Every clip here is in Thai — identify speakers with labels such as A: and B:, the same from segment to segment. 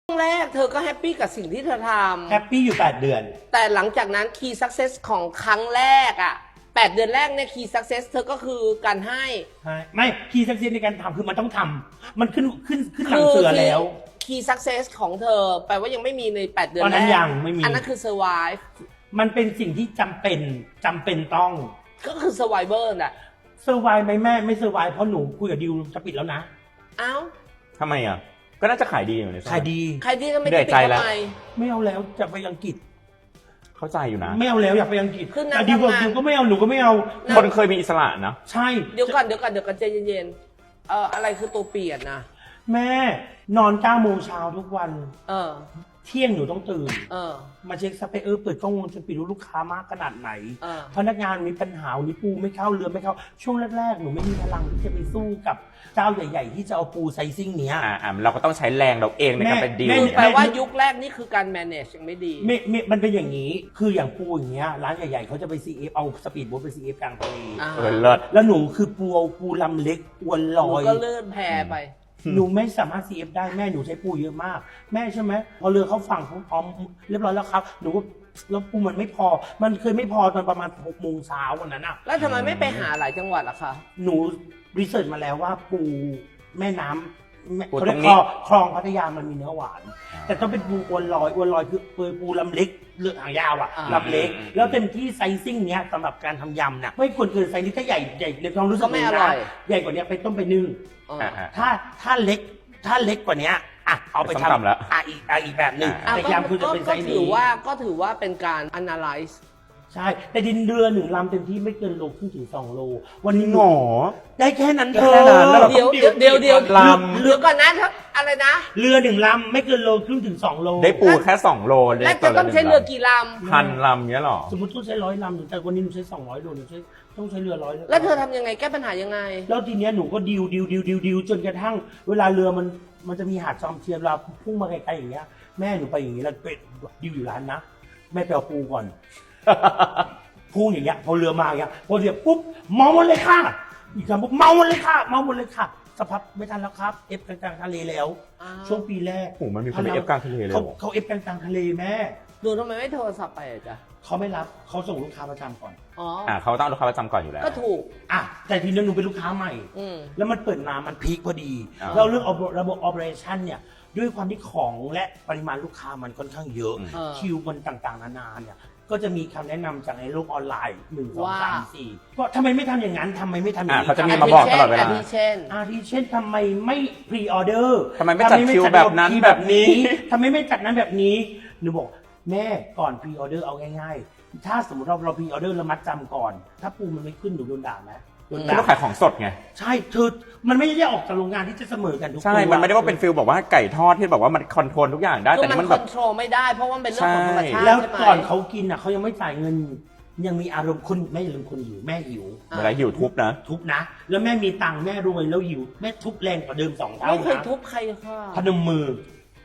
A: ช่วงแรกเธอก็แฮปปี้กับสิ่งที่เธอท
B: แฮปปี้อยู่8 เดือน
A: แต่หลังจากนั้น Key Success ของครั้งแรกอ่ะ8 เดือนแรกเนี่ย Key Success เธอก็คือการให้
B: ไม่คีย์สักเซสในการทำคือมันต้องทำมันขึ้นหลังเสือแล้ว
A: Key Success ของเธอแปลว่ายังไม่มีใน8 เดือน
B: ตอน
A: แร
B: นั้น
A: ก
B: ยังไม่มี
A: อันนั้นคือ survive
B: มันเป็นสิ่งที่จำเป็นต้อง
A: ก็คือ survivor น่ะ
B: เซอร์ไวไหมแม่ไม่เซอร์ไวเพราะหนูคุยกับดิวจะปิดแล้วนะ
A: เอ้า
C: ทำไมอ่ะก็น่าจะขายดีอยู่ใน
B: ขายดี
A: ใครที่จะไม่
C: เหนื่
A: ได้
C: อย
A: ปิด
C: ใจแล้ว
A: ทำไม
B: ไม่เอาแล้วจะไปอังกฤษ
C: เข้าใจอยู่นะ
B: ไม่เอาแล้วอยากไปอังกฤษ
A: คือนาง
B: แต่ดิว
A: ทำงาน
B: ก็ไม่เอาหนูก็ไม่เอา
C: คนเคยมีอิสระนะ
B: ใช่
A: เดี๋ยวก่อนใจเย็นๆอะไรคือตัวเปลี่ยนนะ
B: แม่นอน9 โมงเช้าทุกวัน
A: เออ
B: เที่ยงหนูต้องตื่น
A: เออ
B: มาเช็คซัพพลายเปิดกล้องวงจรปิดดูลูกค้ามากขนาดไหน
A: เออ
B: พนักงานมีปัญหาวันนี้ปูไม่เข้าเรือไม่เข้า ช่วงแรกๆ หนูไม่มีพลังที่จะไปสู้กับเจ้าใหญ่ๆ ที่จะเอาปูไซซิ่งเนี้ย
C: เราก็ต้องใช้แรงเราเองในการไปดีล
A: คือแปลว่ายุคแรกนี่คือการ manage ยังไม่ดี
B: มันเป็นอย่างนี้ คืออย่างปูอย่างเงี้ยร้านใหญ่ๆเขาจะไป CF เอาสปีดโบ๊ทไป CF กลางทะเล
A: อ่า
C: เลิศ
B: แล้วหนูคือปูเอาปูลำเล็กอวนล
A: หนู
B: อย
A: ก็เลื่อนแพไป
B: หนูไม่สามารถ CF ได้แม่หนูใช้ปูเยอะมาก แม่ใช่ไหมพอเรือเขาฝั่งเขาพร้อมเรียบร้อยแล้วครับหนูก็แล้วปูมันไม่พอ มันเคยไม่พอตอนประมาณ6 โมงเช้าวันนั้นอ่ะ
A: แล้วทำไมไม่ไปหาหลายจังหวัดล่ะคะ
B: หนูรีเสิร์ชมาแล้วว่าปูแม่น้ำ
C: ปู
B: เขา
C: ต
B: เรี
C: ร
B: ยก
C: งนี้
B: คลองพัทยามันมีเนื้อหวาน แต่ต้องเป็นปูอวนลอยคือปูลำเล็กเลือกหางยาวอะลำเล็ก แล้วเต็มที่ไซซิ่งเนี้ยสำหรับการทำยำน่ะไม่ควรเกินไซส์นี้ถ้าใหญ่ในความรู้สึก
A: ก็ไม่อร่อย
B: ใหญ่กว่านี้ไปต้มไปนึ่ง
A: เออ
B: ถ้าเล็กกว่านี้อ่ะเอาไป
C: ไปส้มตำแล้ว
B: อีกแบบหนึ่ง
A: อ่ะ
B: แต่ยำคือจะเป็นไซส์
A: ถื
B: นี้
A: ก็ถือว่าเป็นการ analyze
B: ใช่แต่ดินเรือ1 ลำเต็มที่ไม่เกินโลครึ่งถึง2 โลวันนี้
C: หงอ
B: ได้แค่นั้นเธ
C: แค่นั้นแล้ว
B: อ
A: เดี๋ยว
C: ล
A: เรือก่อนนะอะไรนะ
B: เรือ1 ลำไม่เกินโลครึ่งถึง2 โล
C: ได้ปูแค่2 โลเลย
A: แล้วจะต้องใช้เรือกี่ล
C: พันลำเนี้ยหรอ
B: สมมติต้องใช้100 ลำแต่วันนี้หนูใช้200 โลหนูต้องใช้เรือ100
A: ำแล้วเธอทำยังไงแก้ปัญหายังไง
B: แล้วทีเนี้ยหนูก็ดิวจนกระทั่ง เวลาเรือมันจะมีหาดจอมเทียมเราพุ่งมาไกลๆอย่างเงี้ยแม่หนูไปอย่างงี้แล้วไปดิวอยู่ร้านนะแม่ไปเอาปูก่อน พูดอย่างเงี้ยพอเรือมาอย่างเงี้ยพอเรือปุ๊บเมาหมดเลยค่ะอีกคำปุ๊บเมาหมดเลยค่ะสักพักไม่ทันแล้วครับเอฟกลางทะเลแล้ว
A: อ้าว
B: ช่วงปีแรก
C: โอ้โหมันมีคนไปเอฟกลางทะเลเลยเหรอ
B: เขาเอฟกลางทะเลแม่
A: ดูทำไมไม่โทรศัพท์ไปอ่ะจ๊ะ
B: เขาไม่รับเขาส่งลูกค้าประจำก่อน
A: อ๋อ
C: เขาต้องเอาลูกค้าประจำก่อนอยู่แล้ว
A: ก็ถูก
B: อ่ะแต่ทีนี้หนูเป็นลูกค้าใหม่
A: อืม
B: แล้วมันเปิดมามันพีคพอดี
C: อ่า
B: แล้วเรื่องระบบ operation เนี่ยด้วยความที่ของและปริมาณลูกค้ามันค่อนข้างเยอะ
A: เออ
B: คิวมันต่างๆนานาเนี่ยก็จะมีคำแนะนำจากในโลกออนไลน์1 2
A: ว่า
B: 3 4ก็ทำไมไม่ทำอย่างนั้นทำไมไม่ทำอย่างนี้
C: เขาจะมีมาบอกตลอดเวลา
A: อาทิเช่น
B: อาทิเช่นทำไมไม่พรีออเดอร์
C: ทำไมไม่จัดคิวแบบนั้นแบบนี้
B: ทำไมไม่จัดนั้นแบบนี้หนูบอกแม่ก่อนพรีออเดอร์เอาง่ายๆ ถ้าสมมติเราพรีออเดอร์แล้วมัดจำก่อน ถ้าปูมันไม่ขึ้นหนูโดนด่าไหมโดน
C: คือ
B: ด่า
C: ต้องขายของสดไง
B: ใช่มันไม่ได้ออกจากโรงงานที่จะเสมอกันทุกตัว
C: ใช่ มันไม่ได้ว่าเป็นฟิลบอกว่าไก่ทอดที่แบบว่ามันคอนโทรลทุกอย่างได้
A: คือ
C: แต่
A: มัน
C: นี่มัน
A: ค
C: แบ
A: อบ นโทรลไม่ได้เพราะว่ามันเป็นเรื่องของธรรมชาติ
B: แล้ว
A: ใช่ไหม
B: ก่อนเขากินอ่ะเขายังไม่จ่ายเงิน ยังมีอารมณ์คนแม่อย่าลืมคนหิวแม่หิว
C: เวลาหิวทุบนะ
B: ทุบนะ แล้วแม่มีตังค์แม่รวยแล้วหิวแม่ทุบแรงกว่าเดิม2 เท่า
A: ไม่เคย
B: นะ
A: ทุบใครค่ะ
B: พนมมือ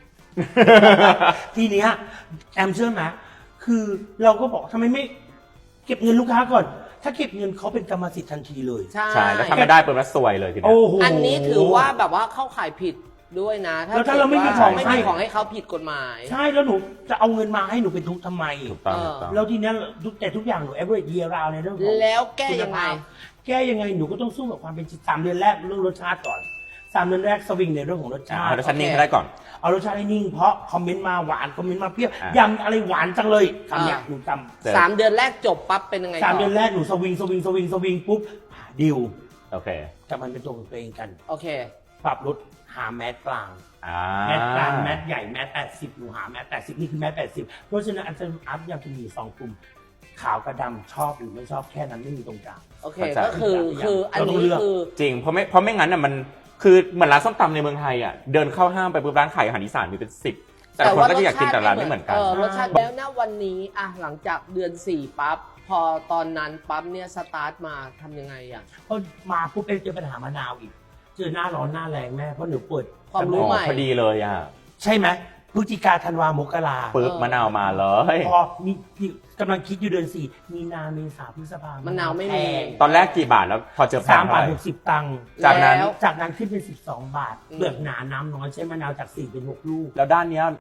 B: ทีเนี้ยแอมเชื่อไหมคือเราก็บอกทำไมไม่เก็บเงินลูกค้าก่อน ถ้าเก็บเงินเขาเป็นกรรมสิทธิ์ทันทีเลย
A: ใช่
C: ใช่ แล้วทำไม่ได้เปิดมาซวยเลยทีเนี้ย
B: โอ้โห
A: อันนี้ถือว่าแบบว่าเข้าข่ายผิดด้วยนะ
B: แล้วถ้าเราไม่มี
A: กิด
B: ของ
A: ไม่
B: ให้
A: มีของให้เขาผิดกฎหมาย
B: ใช่แล้วหนูจะเอาเงินมาให้หนูเป็นทุกข์ทำไม
C: ถูกต้องถูกต้อง
B: แล้วทีเนี้ยแต่ทุกอย่างหนู average year round ในเรื่องของ
A: แล้วแก้ยังไง
B: แก้ยังไงหนูก็ต้องสู้กับความเป็นจริง3 เดือนแรกเรื่องรสชาติก่อน3 เดือนแรกสวิงในเรื่องของรสชาติ
C: เอาแล้วชั้นนิ่งให้ได้ก่อน
B: เอารสชาติให้นิ่งเพราะคอมเมนต์มาหวานคอมเมนต์มาเปรี้ยว
C: อ่ะ
B: ยำอะไรหวานจังเลยคำเนี้ยหนูจ
A: 3 เดือนแรกจบปั๊บเป็นยังไง
B: ำ
A: ต่
B: 3 เดือนแรกหนูสวิงปุ๊บดิว
C: โอเค
B: แต่มันเป็นตัวของตัวเองกัน
A: โอเค
B: ปรับลดหาแมสกลาง แมสกลางแมสใหญ่แมส80หนูหาแมส80นี่คือแมส80เพราะฉะนั้นอันจะอัพยังจะมี2 กลุ่มขาวกับดำชอบหรือไม่ชอบแค่นั้นไม่มีตรงกลาง
A: โอเค
C: เข้าใจ
A: ก็คืออัน
B: เราต้อง
A: นี้
B: เลือก
A: คือ
C: จริง เพราะไม่งั้นน่ะมันคือเหมือนร้านส้มตำในเมืองไทยอ่ะ เดินเข้าห้างไปปุ๊บร้านขายอาหารอีสานมีเป็น10แต่ละคนก็จะอยากกินแต่ร้านไม่เหมือนกัน
A: รสชาติแล้วนะวันนี้อ่ะหลังจากเดือน4ปั๊บพอตอนนั้นปั๊บเนี่ยสตาร์ทมาทำยังไงอ่ะ
B: ก็มาปุ๊บเจอปัญหามะนาวอีก เจอหน้าร้อนหน้าแรงแม่เพราะหนูเปิด
A: ความรู้ใหม่
C: พอดีเลยอ่ะ
B: ใช่ไหมพฤศจิกาธันวามกรา
C: ปึ๊บมะนาวมาเลย
B: พอมีกำลังคิดอยู่เดือน4มีนาเมษาพฤษภาม
A: ะนาวไม่มี
C: ตอนแรกกี่บาทแล้วพอเจอแพง
B: 3
C: เท่า
B: บา
C: ไห
B: ท
C: ร่
B: 60 ตังค์
C: จากนั้น
A: แล้ว
B: จากนั้นขึ้นเป็น12 บาท
A: อืม
B: เปลือกหนาน้ำน้อยใช้มะนาวจาก4เป็น6 ลูก
C: แล้วด้านเนี้ย